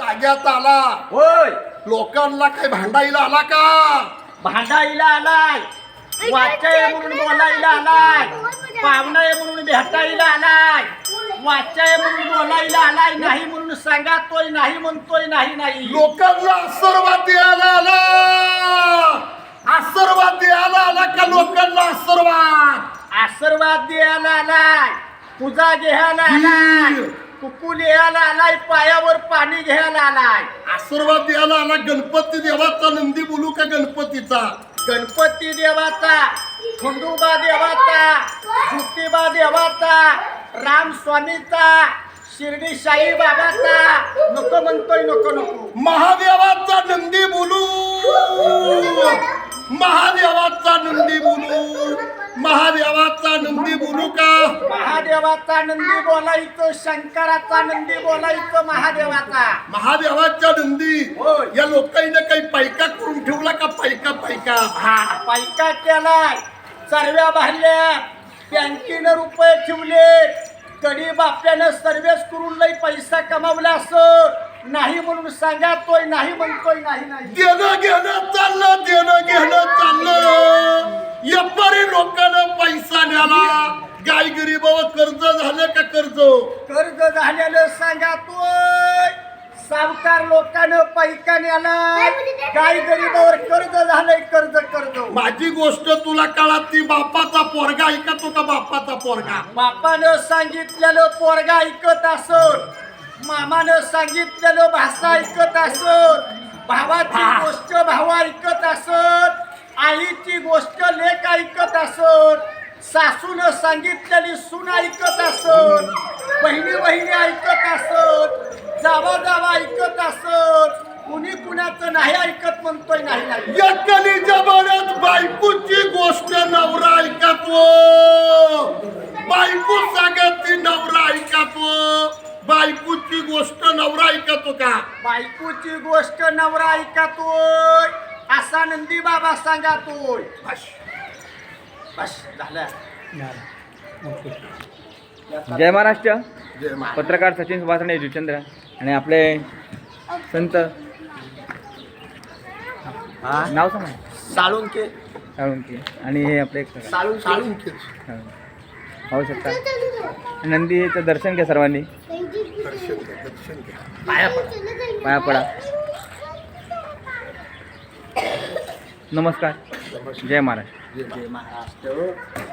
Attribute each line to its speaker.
Speaker 1: जाग्यात आला
Speaker 2: होय
Speaker 1: लोकांना काही भांडायला आला का
Speaker 2: भांडायला आलाय वाचाय म्हणून बोलायला आलाय पाहुणाय म्हणून भेटायला आलाय वाचाय म्हणून बोलायला आलाय नाही म्हणून सांगातोय नाही म्हणतोय नाही नाही
Speaker 1: लोकांना आशीर्वाद द्यायला आला आशीर्वाद द्यायला आला का लोकांना
Speaker 2: आशीर्वाद द्यायला आलाय पूजा घ्यायला आलाय कुकू लिहायला आलाय पायावर पाणी घ्यायला आलाय
Speaker 1: आशीर्वाद द्यायला आला गणपती देवाचा नंदी बोलू का गणपतीचा
Speaker 2: गणपती देवाचा खंडोबा देवाचा ज्योतिबा देवाचा राम स्वामीचा शिर्डी साई बाबाचा नको म्हणतोय नको नको
Speaker 1: महादेवाचा नंदी बोलू महादेवाचा नंदी बोलू महादेवाचा नंदी बोलू का
Speaker 2: महादेवाचा नंदी बोलायचं शंकराचा नंदी बोलायचं
Speaker 1: महादेवाच्या नंदी
Speaker 2: होय.
Speaker 1: या लोकांनी काही पायका करून ठेवला का पायका
Speaker 2: हा पायका केलाय सर्व्या भरल्या बँकेनं रुपये ठेवले कडी बाप्यानं सर्वेस करून लई पैसा कमावला असं नाही म्हणून सांगातोय नाही म्हणतोय नाही नाही
Speaker 1: देणं घेणं चाललं यापारी लोकांना पैसा न्याला गाय गरीबावर कर्ज झालं का
Speaker 2: कर्ज झालेलं सांगातोय सावकार लोकांना पैका न्यालाय गाय गरीबावर कर्ज झालंय कर्ज
Speaker 1: माझी गोष्ट तुला कळत ती बापाचा पोरगा ऐकतो का बापाचा पोरगा
Speaker 2: बापानं सांगितलेलं पोरगा ऐकत असत मामानं सांगितलेलं भाषा ऐकत असत भावाची गोष्ट भाव ऐकत असत आईची गोष्ट लेक ऐकत असत सासूनं सांगितलेली सून ऐकत असत बहिणी ऐकत असत जावा ऐकत असत कुणी कुणाचं नाही ऐकत म्हणतोय नाही नाही
Speaker 1: या कलीच्या बऱ्याच बायकोची गोष्ट नवरा ऐकतो बायको सांगत ती नवरा ऐकतो बायकोची गोष्ट नवरा ऐकतो का
Speaker 2: बायकोची गोष्ट नवरा ऐकतोय असा नंदी बाबा सांगातोय बस झालं
Speaker 3: जय महाराष्ट्र
Speaker 1: जय महाराज.
Speaker 3: पत्रकार सचिन सुभाषणे जुचंद्र आणि आपले संत नाव सांगा
Speaker 2: साळुंके
Speaker 3: साळुंकी आणि हे आपले
Speaker 2: साळुंके
Speaker 3: पाहू शकता नंदीचं दर्शन घ्या सर्वांनी पाया पडा नमस्कार जय महाराष्ट्र
Speaker 2: जय महाराष्ट्र